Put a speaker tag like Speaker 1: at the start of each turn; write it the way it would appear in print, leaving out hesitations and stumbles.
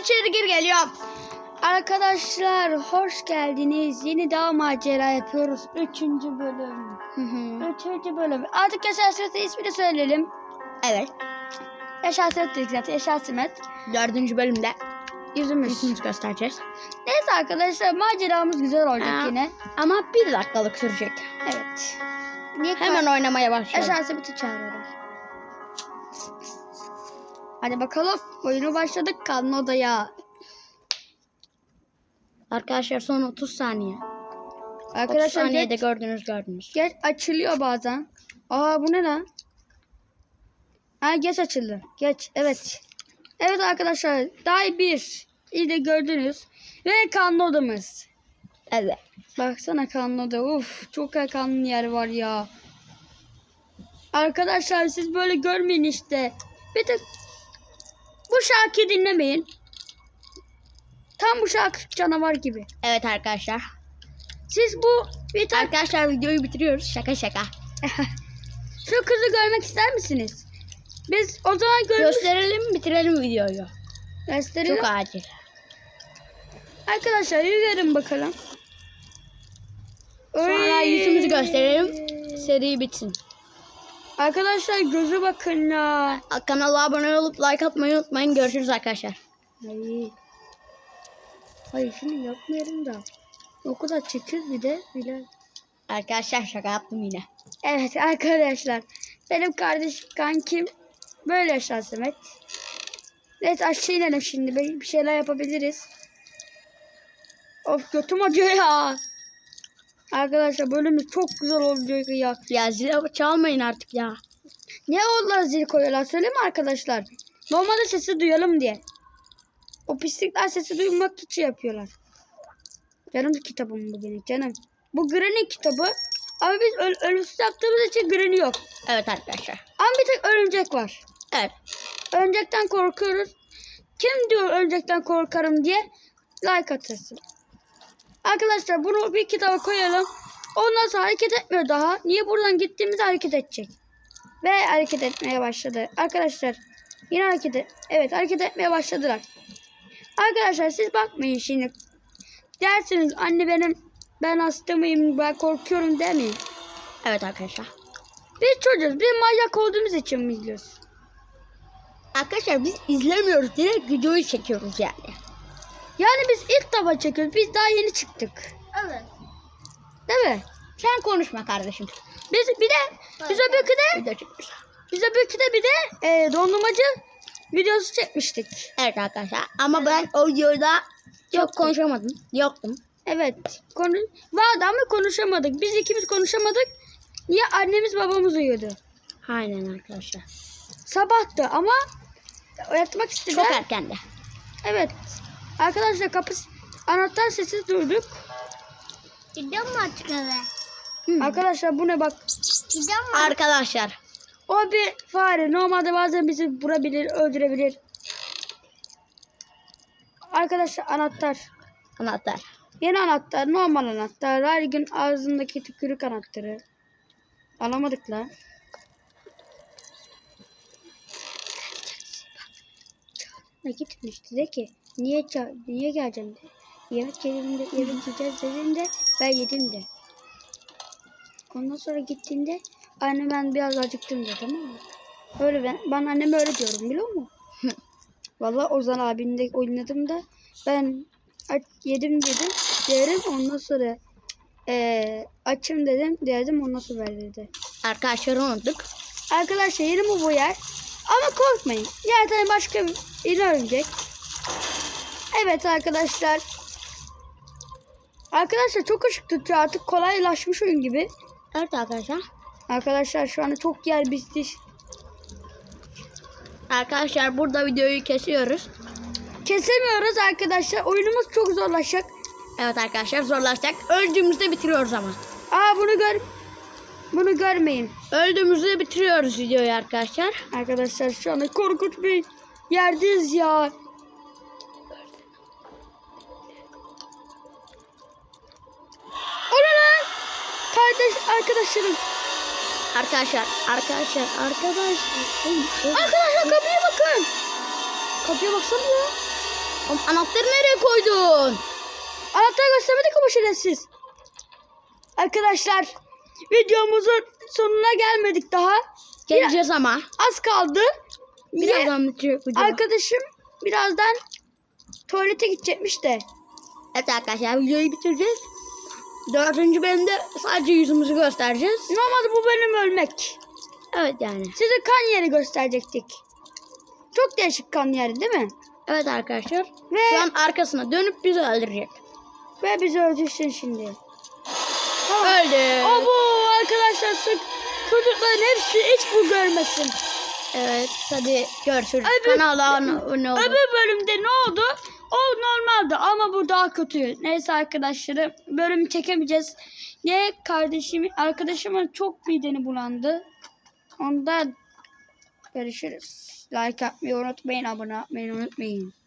Speaker 1: içeri gir geliyorum. Arkadaşlar hoş geldiniz. Yeni daha macera yapıyoruz. 3. bölüm. 3. bölüm. Artık Yaşar Sımet'e ismini söyleyelim.
Speaker 2: Evet.
Speaker 1: Yaşar Sımet dedik zaten. Yaşar Sımet.
Speaker 2: 4. bölümde
Speaker 1: Yüzümüz
Speaker 2: göstereceğiz.
Speaker 1: Neyse arkadaşlar maceramız güzel olacak yine.
Speaker 2: Ama 1 dakikalık sürecek.
Speaker 1: Evet. Niye
Speaker 2: Hemen oynamaya başlayalım.
Speaker 1: Yaşar Sımet'i çağırıyorlar. Hadi bakalım. Oyunu başladık. Kalın odaya.
Speaker 2: Arkadaşlar son 30 saniye. 30
Speaker 1: Arkadaşlar
Speaker 2: saniyede
Speaker 1: geç,
Speaker 2: gördünüz.
Speaker 1: geç açılıyor bazen. Aa bu ne lan? Ha geç açıldı. Geç. Evet. Evet arkadaşlar. Day 1. İyi de gördünüz. Ve kanlı odamız.
Speaker 2: Evet.
Speaker 1: Baksana kanlı oda. Uf çok kanlı yer var ya. Arkadaşlar siz böyle görmeyin işte. Bir tek bu şarkıyı dinlemeyin. Tam bu şarkı canavar gibi.
Speaker 2: Evet arkadaşlar.
Speaker 1: Siz bu bir tane
Speaker 2: Arkadaşlar videoyu bitiriyoruz. Şaka.
Speaker 1: şu kızı görmek ister misiniz? Biz o zaman
Speaker 2: Gösterelim, bitirelim videoyu.
Speaker 1: gösterelim.
Speaker 2: Çok acil.
Speaker 1: Arkadaşlar yürüyelim bakalım.
Speaker 2: Sonra
Speaker 1: Oy.
Speaker 2: yüzümüzü gösterelim. Seri bitsin.
Speaker 1: Arkadaşlar gözü bakın ya.
Speaker 2: Kanala abone olup like atmayı unutmayın. Görüşürüz arkadaşlar.
Speaker 1: Hayır şunu yapmayalım da. O kadar çekiyoruz bir de.
Speaker 2: Arkadaşlar şaka yaptım yine.
Speaker 1: Evet arkadaşlar. Benim kankim böyle Yaşar Sımet. Evet aşağı inelim şimdi. Bir şeyler yapabiliriz. Of götüm acıyor ya. Arkadaşlar bölümümüz çok güzel olacak ya.
Speaker 2: Ya zil çalmayın artık ya.
Speaker 1: Niye onlar zil koyuyorlar söyleyeyim mi arkadaşlar? Normalde sesi duyalım diye. O pislikler sesi duymak için yapıyorlar. Canım kitabım bu benim canım. Bu Granny kitabı. Ama biz ölümsüz yaptığımız için Granny yok.
Speaker 2: Evet arkadaşlar.
Speaker 1: Ama bir tek örümcek var.
Speaker 2: Evet.
Speaker 1: Örümcekten korkuyoruz. Kim diyor örümcekten korkarım diye like atırsın. Arkadaşlar bunu bir kitaba koyalım. Ondan sonra hareket etmiyor daha. Niye buradan gittiğimizde hareket edecek. Ve hareket etmeye başladı. Arkadaşlar yine evet hareket etmeye başladılar. Arkadaşlar siz bakmayın şimdi. Dersiniz anne ben hasta mıyım ben korkuyorum demeyin.
Speaker 2: Evet arkadaşlar.
Speaker 1: Biz çocuğuz. Biz manyak olduğumuz için mi izliyoruz?
Speaker 2: Arkadaşlar biz izlemiyoruz. Direkt videoyu çekiyoruz yani.
Speaker 1: Yani biz ilk defa çekiyoruz. Biz daha yeni çıktık.
Speaker 2: Evet.
Speaker 1: Değil mi?
Speaker 2: Sen konuşma kardeşim.
Speaker 1: Biz öbürkü de bir de dondurmacı videosu çekmiştik.
Speaker 2: Evet arkadaşlar. Ama ben o videoda çok konuşamadım. Yoktum.
Speaker 1: Evet. Vardı ama konuşamadık. Biz ikimiz konuşamadık. Niye? Annemiz babamız uyuyordu.
Speaker 2: Aynen arkadaşlar.
Speaker 1: Sabahtı ama yatmak istedi.
Speaker 2: Çok erkendi.
Speaker 1: Evet. Arkadaşlar anahtar sesi duyduk.
Speaker 2: Gidiyor mu artık eve?
Speaker 1: Arkadaşlar bu ne bak.
Speaker 2: Gidiyor mu? Arkadaşlar.
Speaker 1: O bir fare. Normalde bazen bizi vurabilir, öldürebilir. Arkadaşlar anahtar.
Speaker 2: Anahtar.
Speaker 1: Yeni anahtar, normal anahtar. Her gün ağzındaki tükürük anahtarı. Alamadık la. Ne gitmişti de ki niye geleceğim de. Yemek yiyeceğiz dediğinde ben yedim de. Ondan sonra gittiğinde anne ben biraz acıktım de tamam mı? Öyle ben anneme öyle diyorum biliyor musun? Vallahi Ozan abimle oynadım da ben yedim derim ondan sonra açım dedim ondan sonra ver dedi.
Speaker 2: Arkadaşlar unuttuk.
Speaker 1: Arkadaşlar yeni mi bu yer? Ama korkmayın. Yerden başka bir yeni örümcek. Evet arkadaşlar. Arkadaşlar çok ışık tutuyor artık kolaylaşmış oyun gibi.
Speaker 2: Evet arkadaşlar.
Speaker 1: Arkadaşlar şu anda çok yer bitti.
Speaker 2: Arkadaşlar burada videoyu kesiyoruz.
Speaker 1: Kesemiyoruz arkadaşlar. Oyunumuz çok zorlaşacak.
Speaker 2: Evet arkadaşlar zorlaşacak. Öldüğümüzde bitiriyoruz ama.
Speaker 1: Aa bunu görmeyin.
Speaker 2: Öldüğümüzde bitiriyoruz videoyu arkadaşlar.
Speaker 1: Arkadaşlar şu anda korkunç bir yerdeyiz ya. O ne lan? Arkadaşlarım.
Speaker 2: Arkadaşlar.
Speaker 1: Arkadaşlar kapıya bakın. Kapıya baksana ya.
Speaker 2: Oğlum, anahtarı nereye koydun?
Speaker 1: Anahtarı göstermedik ama şerefsiz. Arkadaşlar videomuzun sonuna gelmedik daha.
Speaker 2: Geleceğiz ama.
Speaker 1: Az kaldı. Niye?
Speaker 2: Birazdan bitiyor video.
Speaker 1: Arkadaşım birazdan tuvalete gidecekmiş de.
Speaker 2: Evet arkadaşlar videoyu bitireceğiz. 4. bölümde sadece yüzümüzü göstereceğiz.
Speaker 1: Normalde bu bölüm ölmek.
Speaker 2: Evet yani.
Speaker 1: Size kan yeri gösterecektik. Çok değişik kan yeri değil mi?
Speaker 2: Evet arkadaşlar.
Speaker 1: Ve,
Speaker 2: Şu an arkasına dönüp bizi öldürecek.
Speaker 1: ve bizi öldürsün şimdi.
Speaker 2: Öldü.
Speaker 1: Abo arkadaşlar çocukların hepsi hiç bu görmesin.
Speaker 2: Evet hadi görüşürüz.
Speaker 1: Öbür-
Speaker 2: Kanala abone olun.
Speaker 1: Öbür bölümde ne oldu? O normaldi ama bu daha kötü. Neyse arkadaşlarım bölümü çekemeyeceğiz. Niye arkadaşımın çok mideni bulandı. Ondan görüşürüz. Like atmayı unutmayın, abone olmayı unutmayın.